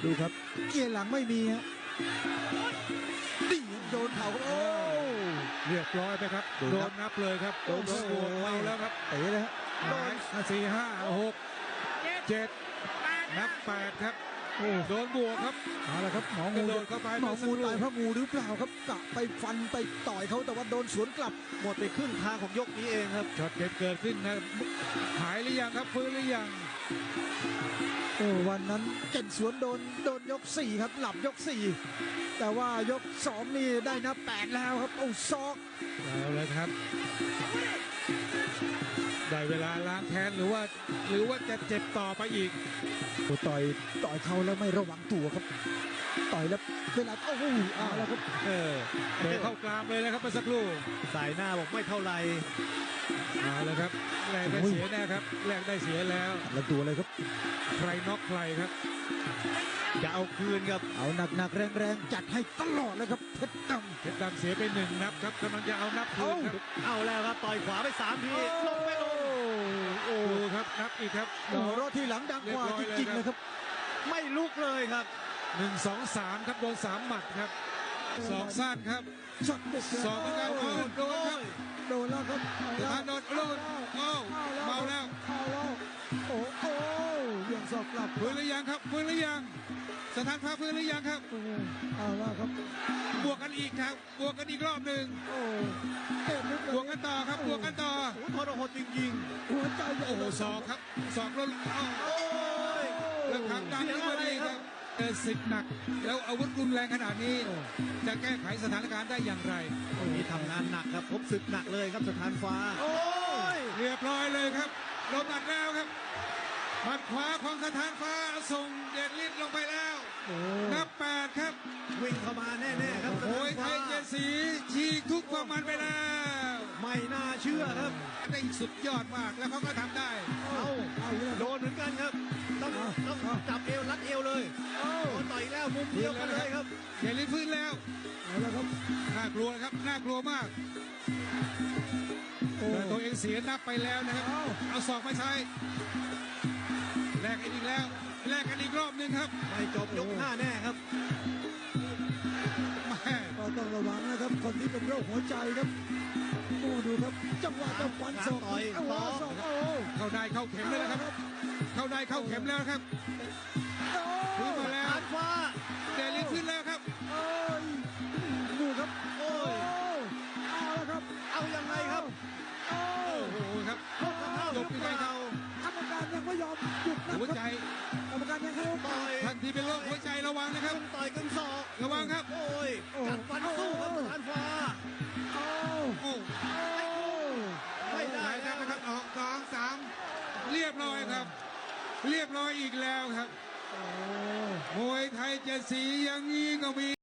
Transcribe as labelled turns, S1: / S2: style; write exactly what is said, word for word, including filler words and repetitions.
S1: ดูครับเกียร์หลังไม่มีฮะดีโดนเข่าโอ้
S2: เรียบร้อยไปครับโดนนับเลยครับโดนบวกเมาแล้วครับ
S1: เตะเลยฮะ
S2: หมายสี่ห้าหกเจ็ดนับแปดครับโอ้โดนบวกครับ
S1: เอาละครับหมอ
S2: งู
S1: งู
S2: โดนเข้าไป
S1: หมองูตายเพราะงูหรือเปล่าครับกะไปฟันไปต่อยเขาแต่ว่าโดนสวนกลับ
S3: หมดไปครึ่งทางของยกนี้เองครับ
S2: ช็อตเด็ดเกิดขึ้นนะหายหรือยังครับฟื้นหรือยัง
S1: โอ้วันนั้นเก่งสวนโดนโดนยกสี่ครับหลับยกสี่แต่ว่ายกสองนี่ได้นับแปดแล้วครับโอ้ซอก
S2: เอาเลยครับได้เวลาล้างแค้นหรือว่าหรือว่าจะเจ็บต่อไปอีก
S1: โอ้ต่อยต่อยเขาแล้วไม่ระวังตัวครับต่อยแล้วเวลาโอ้โหเอาแล้วครับ
S2: เออเตะเข้ากลางเลยนะครับเมื่อสักครู่
S3: สายหน้าบอกไม่เท่าไร
S2: เอาเลยครับแลกได้เสียแน่ครับแลกได้เสียแล้ว
S1: แล้วตัวเลยครับ
S2: ใครน็อกใครครับ
S3: จะเอาคืนครับ
S1: เอาหนักๆแรงๆจัดให้ตลอดเลยครับเพชรดำ
S2: เพชรดำเสียไปหนึ่งนับครับกำลังจะเอานับคืนครับ
S3: เอาแล้วครับต่อยขวาไปสามทีลงไปลง
S2: โอ้ครับนับอีกครับ
S1: โอ้รถที่หลังดังกว่าจริงๆเลยครับ
S3: ไม่ลุกเลยครับ
S2: หนึ่งสองสามครับโดนสามหมัดครับสองสั้นครับสองเหมือนกันโดนโดนครับ
S1: โดนแล้วครับ
S2: สถานโดนโดนโอ้เมาแล้ว
S1: โอ้โอ้ยังสอบกลับ
S2: ฟื้นหรือยังครับฟื้นหรือยังสถานพาฟื้นหรือยังครับ
S1: เอาแล้วครับ
S2: บวกกันอีกครับบวกกันอีกรอบหนึ่ง
S1: โอ้
S2: บวกกันต่อครับบวกกันต่อ
S3: ทรหดจริง
S1: ๆหัวใจ
S2: โอ้โหศอกครับศอกแล้วโอ้ยแล้วทางด้านนี้มาดีครับเออสิทธิ์หนักแล้วอาวุธรุนแรงขนาดนี้จะแก้ไขสถานการณ์ได้อย่างไร
S3: มีทำงานหนักครับพบศึกหนักเลยครับสถานฟ้า
S2: โอ้ยเรียบร้อยเลยครับลงหมัดแล้วครับหมัดขวาของสถานฟ้าส่งเดชฤทธิ์ลงไปแล้วนับแปดครับ
S3: วิ่งเข้ามาแน่ๆครับ
S2: โอ้ยไทยเจสีฉีกทุกความมันไปแล้ว
S3: ไม่น่าเชื่อครับ
S2: ได้สุดยอดมากแล้วเขาก็ทำได้
S3: เอาโดนเหมือนกันครับต้องต้องจับเอวรัดเอวเลยโอ้ต่อยแล้วมุมเดียวกันเลยครับ
S2: เดชฤทธิ์ฟื้นแล้ว
S1: เอาแล้วครับ
S2: น่ากลัวครับน่ากลัวมากแต่ตัวเองเสียนับไปแล้วนะครับเอาศอกมาใช้แลกกันอีกแล้วแลกกันอีกรอบหนึ่งครับ
S3: ไม่จบยกห้าแน่ครับ
S1: ก็ต้องระวังนะครับคนที่เป็นโรคหัวใจครับดูดูครับจังหวะจะฟันศอก
S3: ต่อยต่อ
S2: เข้าได้เข้าเข็มแล้วครับเข้าได้เข้าเข็มแล้วครับขึ้นมาแล้ว
S3: ฟ้า
S2: เดลิฟขึ้นแล้วครับ
S1: ดูครับ
S3: โอ้ย
S1: เอาแล้วครับ
S3: เอายังไงครับ
S2: โอ้โหครับ
S3: จบไปเขา
S1: กรรมการยังไม่ยอมหยุดนะ
S2: หัวใจ
S1: กรรมการยังให้
S3: ต่อย
S2: ทันทีเป็นโรคหัวใจระวังนะครับ
S3: ต่อยกันศอก
S2: ระวังครับ
S3: โอ้ยกัดฟันสู้ครับสถานฟ้า
S1: โอ้
S2: โอ้
S3: ไม่ได้
S2: นะครับออกสองสามเรียบร้อยครับเรียบร้อยอีกแล้วครับมวยไทยเจ็ดสีอย่างนี้ก็มี